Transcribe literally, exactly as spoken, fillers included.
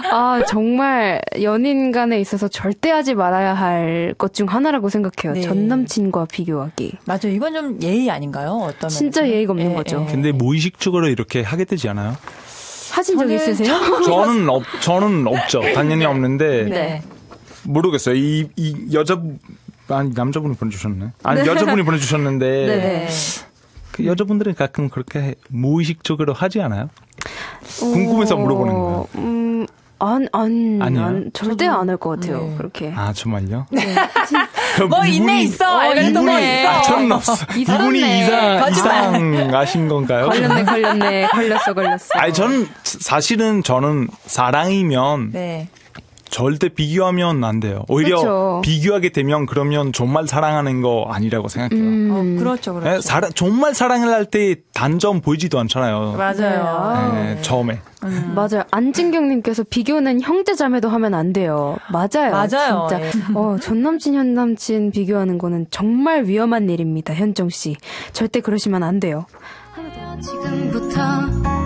아, 정말 연인 간에 있어서 절대 하지 말아야 할 것 중 하나라고 생각해요. 네. 전 남친과 비교하기. 맞아요. 이건 좀 예의 아닌가요? 어떤 진짜 면에서는? 예의가 없는 예, 거죠. 예. 근데 무의식적으로 이렇게 하게 되지 않아요? 하신 적 저는 있으세요? 저는 없, 저는 없죠. 당연히 없는데 네. 모르겠어요. 이, 이 여자 아니 남자분이 보내주셨네. 아니 여자분이 보내주셨는데 네네. 그 여자분들은 가끔 그렇게 무의식적으로 하지 않아요? 궁금해서 물어보는 거예요. 음, 안, 안, 아니에요? 안 절대 안 할 것 같아요. 네. 그렇게. 아 정말요? 뭐 있네 있어. 이런 거 이분이 있어. 아, 저는 없어. 이분이 있었네. 이상 이상하신 건가요? 걸렸네, 걸렸네. 걸렸어, 걸렸어. 아니 저는 사실은 저는 사랑이면 네. 절대 비교하면 안 돼요. 오히려 그렇죠. 비교하게 되면 그러면 정말 사랑하는 거 아니라고 생각해요. 음, 어, 그렇죠, 그렇죠. 네, 사랑, 정말 사랑을 할 때 단점 보이지도 않잖아요. 맞아요. 네, 네. 처음에. 음. 맞아요. 안진경님께서 비교는 형제자매도 하면 안 돼요. 맞아요. 맞아요. 진짜. 예. 어, 전 남친, 현 남친 비교하는 거는 정말 위험한 일입니다. 현정 씨. 절대 그러시면 안 돼요. 지금부터